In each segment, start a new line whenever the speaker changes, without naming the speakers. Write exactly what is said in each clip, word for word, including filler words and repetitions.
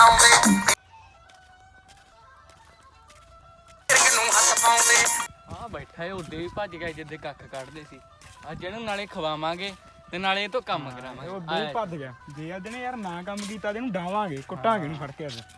ਆ ਬੈਠਾ ਏ ਉੱਡੇ ਵੀ ਭੱਜ ਗਿਆ ਜਿੱਦੇ ਕੱਖ ਕੱਢਦੇ ਸੀ ਅੱਜ ਇਹਨੂੰ ਨਾਲੇ ਖਵਾਵਾਂਗੇ ਤੇ ਨਾਲੇ ਇਹ ਤੋਂ ਕੰਮ ਕਰਾਵਾਂਗੇ।
ਉਹ ਦੋ ਭੱਜ ਗਿਆ ਜੇ ਅੱਜ ਨੇ ਯਾਰ ਨਾ ਕੰਮ ਕੀਤਾ ਤੇ ਇਹਨੂੰ ਡਾਵਾਂਗੇ ਕੁੱਟਾਂਗੇ ਨਹੀਂ ਫੜ ਕੇ ਅੱਜ।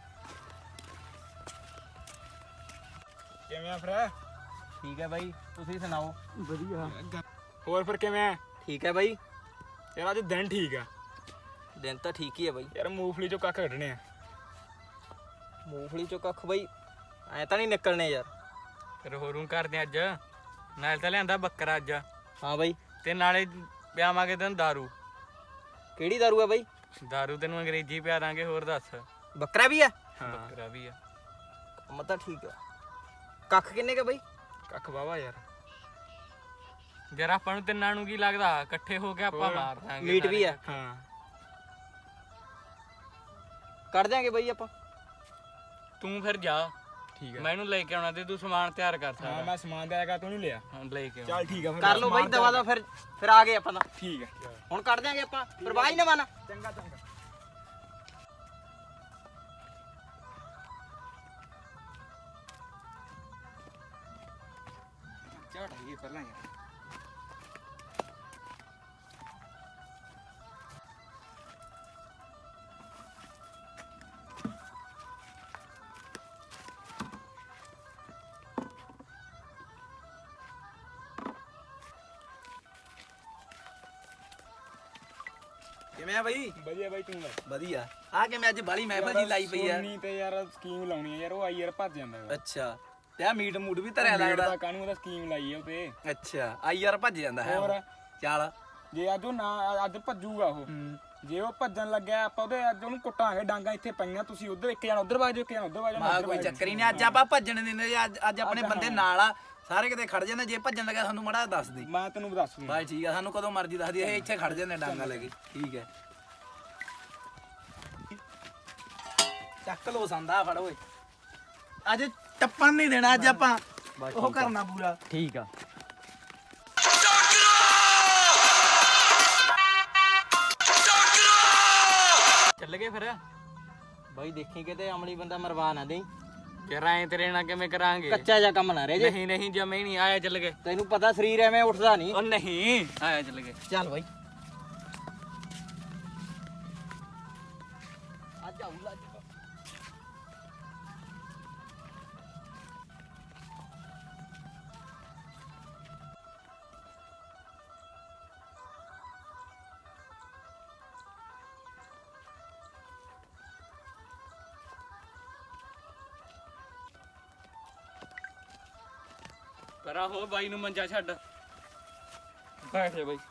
ਕਿਵੇਂ ਆ ਫਿਰ?
ਠੀਕ ਹੈ ਬਾਈ, ਤੁਸੀਂ ਸੁਣਾਓ?
ਵਧੀਆ। ਹੋਰ ਫਿਰ ਕਿਵੇਂ ਆ?
ਠੀਕ ਹੈ ਬਾਈ।
ਯਾਰ ਅੱਜ ਦਿਨ ਠੀਕ ਆ।
ਦਿਨ ਤਾਂ ਠੀਕ ਹੀ ਹੈ ਬਾਈ।
ਯਾਰ ਮੂੰਗਫਲੀ ਚੋਂ ਕੱਖ ਕੱਢਣੇ ਆ।
ਮੂੰਗਫਲੀ ਚੋਂ ਕੱਖ ਬਾਈ ਐ ਤਾਂ ਨਹੀਂ ਨਿਕਲਣੇ ਯਾਰ।
ਫਿਰ ਹੋਰੂ ਕਰਦੇ ਅੱਜ ਨਾਲੇ ਤਾਂ ਲਿਆਂਦਾ ਬੱਕਰਾ ਅੱਜ।
ਹਾਂ ਬਾਈ।
ਤੇ ਨਾਲੇ ਪਿਆਵਾਂਗੇ ਤੈਨੂੰ ਦਾਰੂ।
ਕਿਹੜੀ ਦਾਰੂ ਹੈ ਬਾਈ?
ਦਾਰੂ ਤੈਨੂੰ ਅੰਗਰੇਜ਼ੀ ਪਿਆ ਦਾਂਗੇ। ਹੋਰ ਦੱਸ।
ਬੱਕਰਾ ਵੀ ਆ?
ਬੱਕਰਾ ਵੀ ਆ।
ਮੈਂ ਤਾਂ ਠੀਕ ਆ। ਕੱਖ ਕਿੰਨੇ ਕੇ ਬਾਈ?
ਕੱਖ ਵਾਵਾ ਯਾਰ।
ਯਾਰ ਆਪਾਂ ਨੂੰ ਤਿੰਨਾਂ ਨੂੰ ਕੀ ਲੱਗਦਾ ਇਕੱਠੇ ਹੋ ਕੇ ਆਪਾਂ ਮਾਰ ਦਾਂਗੇ।
ਮੀਟ ਵੀ ਆ?
ਹਾਂ
ਕੱਢ ਦਿਆਂਗੇ ਬਾਈ ਆਪਾਂ।
ਤੂੰ ਫਿਰ ਜਾ।
ਠੀਕ ਹੈ
ਮੈਂ ਇਹਨੂੰ ਲੈ ਕੇ ਆਉਣਾ ਤੇ ਤੂੰ ਸਮਾਨ ਤਿਆਰ ਕਰ
ਹਾਂ
ਸਕਦਾ।
ਮੈਂ ਸਮਾਨ ਦਿਆ ਕਰ ਤੂੰ ਨਹੀਂ ਲਿਆ।
ਹਾਂ ਲੈ ਕੇ ਆਉਣਾ।
ਚੱਲ ਠੀਕ ਆ ਫਿਰ
ਕਰ ਲਓ ਬਾਈ ਦਵਾ ਦਾ। ਫਿਰ ਫਿਰ ਆ ਗਏ ਆਪਾਂ ਤਾਂ।
ਠੀਕ ਹੈ
ਹੁਣ ਕੱਢ ਦਿਆਂਗੇ ਆਪਾਂ। ਪਰਵਾਹ ਹੀ ਨਾ ਮੰਨ।
ਚੰਗਾ ਚੰਗਾ। ਝਾਟ ਆਈਏ ਪਹਿਲਾਂ ਯਾਰ।
ਕਿਵੇਂ ਆ ਬਾਈ?
ਵਧੀਆ ਬਾਈ ਤੂੰ ਲੈ।
ਵਧੀਆ। ਆ ਕਿਵੇਂ ਅੱਜ ਬਾਲੀ ਮਹਿਫਲ ਜੀ ਲਾਈ ਪਈ ਆ?
ਸੋਨੀ ਤੇ ਯਾਰ ਸਕੀਮ ਲਾਉਣੀ ਆ ਯਾਰ। ਉਹ ਆਈ ਯਾਰ ਭੱਜ ਜਾਂਦਾ ਵਾ।
ਅੱਛਾ ਤੇ ਆ ਮੀਟ ਮੂਟ ਵੀ ਧਰਿਆ ਲੱਗਦਾ।
ਕਾਹਨੂੰ ਉਹਦਾ ਸਕੀਮ ਲਾਈ ਆ ਉਤੇ।
ਅੱਛਾ ਆਈ ਯਾਰ ਭੱਜ ਜਾਂਦਾ ਹੈ।
ਹੋਰ
ਚੱਲ
ਜੇ ਅੱਜ ਉਹ ਨਾ ਅੱਜ ਭੱਜੂਗਾ ਉਹ। ਜੇ ਉਹ ਭੱਜਣ ਲੱਗਿਆ ਆਪਾਂ ਉਹਦੇ ਅੱਜ ਉਹਨੂੰ ਕੁੱਟਾਂਗੇ। ਡਾਂਗਾ ਇੱਥੇ ਪਈਆਂ ਤੁਸੀਂ ਉਧਰ ਇੱਕ ਜਣਾ ਉਧਰ ਵਗ ਜਾਓ ਇੱਕ ਜਣਾ ਉਧਰ ਵਗ ਜਾਓ।
ਮਾ ਕੋਈ ਚੱਕਰ ਹੀ ਨਹੀਂ। ਅੱਜ ਆਪਾਂ ਭੱਜਣ ਦਿੰਦੇ। ਅੱਜ ਅੱਜ ਆਪਣੇ ਬੰਦੇ ਨਾਲ ਆ ਸਾਰੇ ਕਿਤੇ ਖੜ ਜਾਂਦੇ। ਜੇ ਭੱਜਣ ਲੱਗਾ ਸਾਨੂੰ ਮਾੜਾ ਦੱਸ ਦੇ।
ਮੈਂ ਤੈਨੂੰ ਦੱਸ ਦੂੰ
ਬਾਈ ਠੀਕ ਆ। ਸਾਨੂੰ ਕਦੋਂ ਮਰਜ਼ੀ ਦੱਸ ਦੀ। ਇਹ ਇੱਥੇ ਖੜ ਜਾਂਦੇ ਡਾਂਗਾ ਲੈ ਕੇ। ਠੀਕ ਹੈ ਚੱਕ ਲੋ ਸੰਦਾ ਫੜ ਓਏ। ਅੱਜ ਟੱਪਣ ਨਹੀਂ ਦੇਣਾ। ਅੱਜ ਆਪਾਂ ਉਹ ਕਰਨਾ ਪੂਰਾ।
ਠੀਕ ਆ। ਚੱਲ ਗਏ ਫਿਰ।
ਬਾਈ ਦੇਖੀ ਕਿਤੇ ਅਮਲੀ ਬੰਦਾ ਮਰਵਾ ਨਾ ਦੇਈ।
ਯਾਰ ਐਂ ਤੇਰੇ ਨਾਲ ਕਿਵੇਂ ਕਰਾਂਗੇ?
ਕੱਚਾ ਜਿਹਾ ਕੰਮ ਨਾ ਰਹਿ ਜੇ।
ਨਹੀਂ ਨਹੀਂ ਜਮੇ ਨਹੀਂ ਆਇਆ। ਚੱਲ ਗਏ।
ਤੈਨੂੰ ਪਤਾ ਸਰੀਰ ਐਵੇਂ ਉੱਠਦਾ ਨਹੀਂ।
ਉਹ ਨਹੀਂ ਆਇਆ। ਚੱਲ ਗਏ।
ਚੱਲ ਬਾਈ ਅੱਜ ਆਉਲਾ ਅੱਜ।
ਕਰਾ ਹੋ ਬਾਈ ਨੂੰ ਮੰਜਾ ਛੱਡ। ਬੈਠ ਜਾ ਬਾਈ।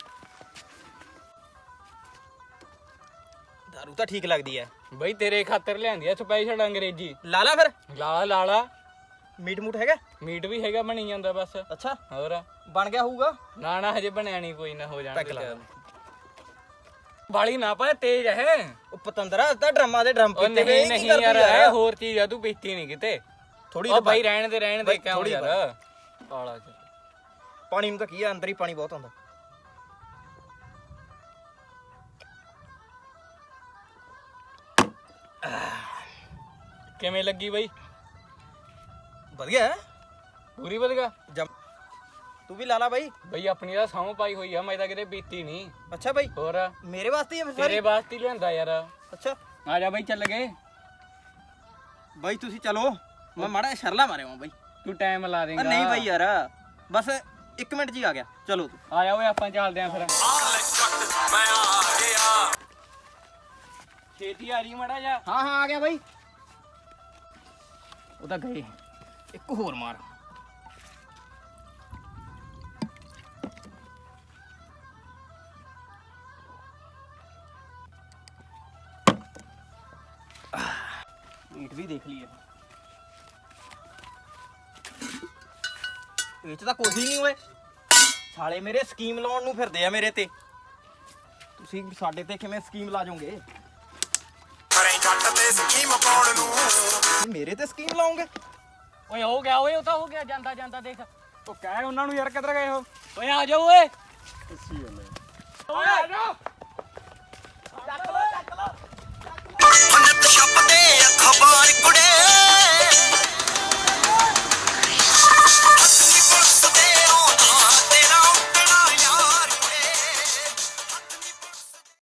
ਦਾਰੂ ਤਾਂ ਠੀਕ ਲੱਗਦੀ ਐ
ਬਾਈ ਤੇਰੇ ਖਾਤਰ ਲਿਆਂਦੀ ਆ ਸਪੈਸ਼ਲ ਅੰਗਰੇਜ਼ੀ।
ਲਾਲਾ ਫਿਰ
ਲਾਲਾ ਲਾਲਾ।
ਮੀਟ ਮੂਟ ਹੈਗਾ?
ਮੀਟ ਵੀ ਹੈਗਾ ਬਣੀ ਜਾਂਦਾ ਬਸ।
ਅੱਛਾ
ਹੋਰ
ਬਣ ਗਿਆ ਹੋਊਗਾ।
ਨਾ ਨਾ ਹਜੇ ਬਣਿਆ ਨਹੀਂ। ਕੋਈ ਨਾ ਹੋ ਜਾਣਾ।
ਪੈਕ ਲਾ ਦੇ।
ਬਾਲੀ ਨਾ ਪਾ ਤੇਜ਼ ਹੈ।
ਉਹ ਪਤੰਦਰਾ ਤਾਂ ਡਰਮਾਂ ਦੇ ਡਰਮ
ਉਹ ਨਹੀਂ ਨਹੀਂ ਯਾਰ ਇਹ ਹੋਰ ਚੀਜ਼ ਆ। ਤੂੰ ਪੀਤੀ ਨਹੀਂ ਕਿਤੇ
ਥੋੜੀ।
ਉਹ ਬਾਈ ਰਹਿਣ ਦੇ ਰਹਿਣ ਦੇ ਕਿਉਂ ਯਾਰ। ਕਾਲਾ ਚ
ਪਾਣੀ ਨੂੰ ਤਾਂ ਕੀ ਆ ਅੰਦਰ ਹੀ ਪਾਣੀ ਬਹੁਤ ਆਉਂਦਾ।
ਕਿਵੇਂ ਲੱਗੀ ਬਾਈ?
ਵਧੀਆ
ਪੂਰੀ ਵਧੀਆ।
ਤੂੰ ਵੀ ਲਾ ਲਾ ਬਾਈ।
ਬਈ ਆਪਣੀ ਤਾਂ ਸਹੁੰ ਪਾਈ ਹੋਈ ਆ। ਮੈਂ ਤਾਂ ਕਿਤੇ ਪੀਤੀ ਨਹੀਂ।
ਅੱਛਾ ਬਾਈ
ਹੋਰ
ਮੇਰੇ ਵਾਸਤੇ ਹੀ ਆ ਫਿਰ
ਤੇਰੇ
ਸਾਰੀ?
ਵਾਸਤੇ ਹੀ ਲਿਆਂਦਾ ਯਾਰ।
ਅੱਛਾ
ਆ ਜਾ ਬਾਈ ਚੱਲ ਗਏ।
ਬਾਈ ਤੁਸੀਂ ਚਲੋ ਮੈਂ ਮਾੜਾ ਸ਼ਰਲਾ ਮਾਰਿਆ ਬਾਈ।
ਤੂੰ ਟਾਈਮ ਲਾ ਦੇਂਗਾ।
ਨਹੀਂ ਬਾਈ ਯਾਰ ਬਸ ਇੱਕ ਮਿੰਟ ਜੀ ਆ ਗਿਆ। ਚਲੋ
ਆ ਜਾ ਓਏ ਆਪਾਂ ਚੱਲਦੇ ਆਂ ਫਿਰ। ਛੇਤੀ ਆ ਰਹੀ ਮੜਾ ਜਾ।
ਹਾਂ ਹਾਂ ਆ ਗਿਆ ਬਾਈ।
ਉਹ ਤਾਂ ਗਏ।
ਇੱਕ ਹੋਰ ਮਾਰ। ਮੀਟ ਵੀ ਦੇਖ ਲਈਏ। ਇਹ ਚ ਤਾਂ ਕੁਝ ਹੀ ਨਹੀਂ ਹੋਏ। ਸਾਲੇ ਮੇਰੇ ਸਕੀਮ ਲਾਉਣ ਨੂੰ ਫਿਰਦੇ ਆ ਮੇਰੇ ਤੇ। ਤੁਸੀਂ ਸਾਡੇ ਤੇ ਕਿਵੇਂ ਸਕੀਮ ਲਾ ਜਾਓਗੇ? ਮੇਰੇ ਤੇ ਸਕੀਮ ਲਾਉਂਗੇ?
ਓਏ ਹੋ ਗਿਆ ਓਏ। ਉਹ ਤਾਂ ਹੋ ਗਿਆ। ਜਾਂਦਾ ਜਾਂਦਾ ਦੇਖ।
ਉਹ ਕਹਿ ਉਹਨਾਂ ਨੂੰ ਯਾਰ ਕਿੱਧਰ ਗਏ ਹੋ?
ਓਏ ਆ ਜਾਓ ਓਏ।
ਓਏ ਆ ਜਾ।